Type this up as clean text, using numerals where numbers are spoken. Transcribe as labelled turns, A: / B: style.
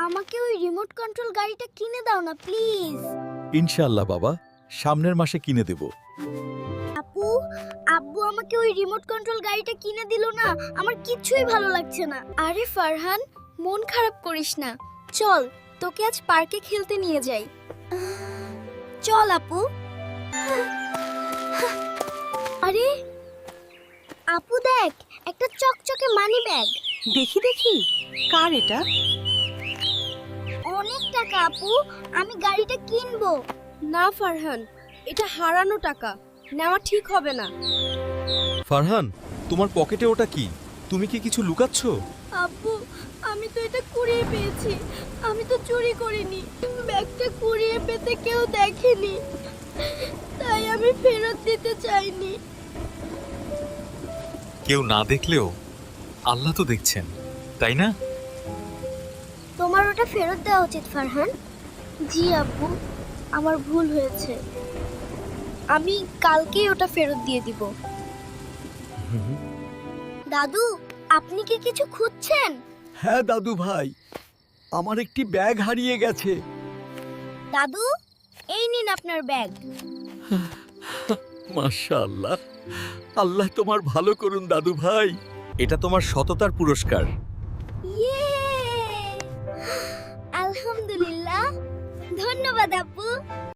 A: আমাকে ওই remote control গাড়িটা কিনে দাও না প্লিজ।
B: ইনশাআল্লাহ বাবা, সামনের মাসে কিনে দেব।
A: আপু, আব্বু আমাকে ওই রিমোট কন্ট্রোল গাড়িটা কিনে দিল না, আমার কিছুই ভালো লাগছে না।
C: আরে ফারহান, মন খারাপ করিস না, চল তোকে আজ পার্কে খেলতে নিয়ে যাই।
A: চল আপু। আরে আপু দেখ, একটা চকচকে মানি ব্যাগ।
D: দেখি দেখি, কার এটা?
A: অনেক টাকা আপু, আমি গাড়িটা কিনবো।
C: না ফারহান, এটা হারানো টাকা, নেওয়া ঠিক হবে না।
B: ফারহান, তোমার পকেটে ওটা কি? তুমি কি কিছু লুকাচ্ছ?
C: আব্বু, আমি তো এটা কুড়িয়ে পেয়েছি, আমি তো চুরি করিনি। ব্যাগটা কুড়িয়ে পেতে কেউ দেখেনি, তাই আমি ফেরত দিতে চাইনি।
E: কেউ না দেখলেও আল্লাহ তো দেখছেন, তাই না?
A: তোমার ওটা ফেরত দেওয়া উচিত ফারহান।
C: জি আব্বু, আমার ভুল হয়েছে, আমি কালকেই ওটা ফেরত দিয়ে দিব।
A: দাদু, আপনি কি কিছু খুঁজছেন?
F: হ্যাঁ দাদু ভাই, আমার একটি ব্যাগ হারিয়ে গেছে।
A: দাদু, এই নিন আপনার ব্যাগ।
F: মাশাআল্লাহ, আল্লাহ তোমার ভালো করুন দাদু ভাই।
B: এটা তোমার সততার পুরস্কার।
A: ইয়ে! আলহামদুলিল্লাহ, ধন্যবাদ আপু।